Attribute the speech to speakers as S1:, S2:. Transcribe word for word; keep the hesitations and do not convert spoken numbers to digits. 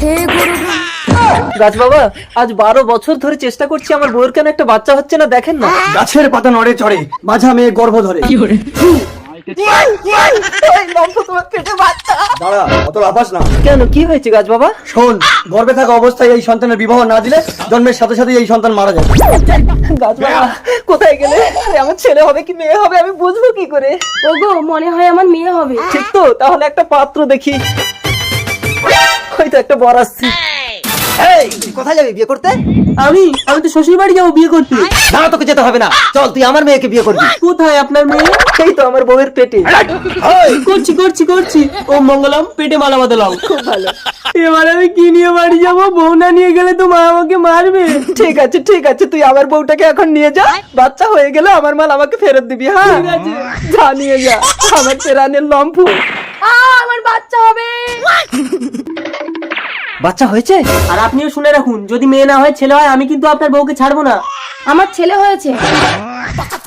S1: হে গুরু।
S2: গাছ বাবা, আজ বারো বছর ধরে চেষ্টা করছি, আমার বউয়ের কেন একটা বাচ্চা হচ্ছে না, দেখেন না।
S3: গাছের পাতা নড়ে চড়ে, মাঝা মেয়ে গর্ভ ধরে। দাঁড়া, অত লাফাস না।
S2: কেন, কি হয়েছে গাছ বাবা?
S3: শোন, গর্ভে থাকা অবস্থায় এই সন্তানের বিবাহ না দিলে জন্মের সাথে সাথে এই সন্তান মারা যাবে।
S2: গাছ বাবা, কোথায় গেলে? আরে, আমার ছেলে হবে কি মেয়ে হবে আমি বুঝবো কি করে?
S1: ওগো, মনে হয় আমার মেয়ে হবে।
S2: ঠিক তো, তাহলে একটা পাত্র দেখি। হয়তো একটা বর আসছে।
S3: এই, তুই কোথায় যাবি বিয়ে করতে?
S2: আমি আমি তো শ্বশুর বাড়ি যাবো বিয়ে করতে।
S3: না, তোকে যেতে হবে না, চল তুই আমার মেয়েকে বিয়ে করবি।
S2: কোথায় আপনার মেয়ে? সেই তো আমার বউয়ের পেটে।
S3: এই,
S2: করছি করছি করছি ও মঙ্গলম, পেটে মালা বাঁধালাম। খুব ভালো। এবার আমি কি নিয়ে বাড়ি যাবো? বউ না নিয়ে গেলে তো মা আমাকে মারবে। ঠিক আছে ঠিক আছে, তুই আমার বউটাকে এখন নিয়ে যা, বাচ্চা হয়ে গেলে আমার মাল আমাকে ফেরত দিবি। হ্যাঁ ঠিক আছে, যা নিয়ে যা আমার পেরানের লম্ফু।
S1: আ, আমার বাচ্চা হবে।
S2: বাচ্চা হয়েছে? আর আপনিও শুনে রাখুন, যদি মেয়ে না হয় ছেলে হয়, আমি কিন্তু আপনার বউকে ছাড়বো না।
S1: আমার ছেলে হয়েছে।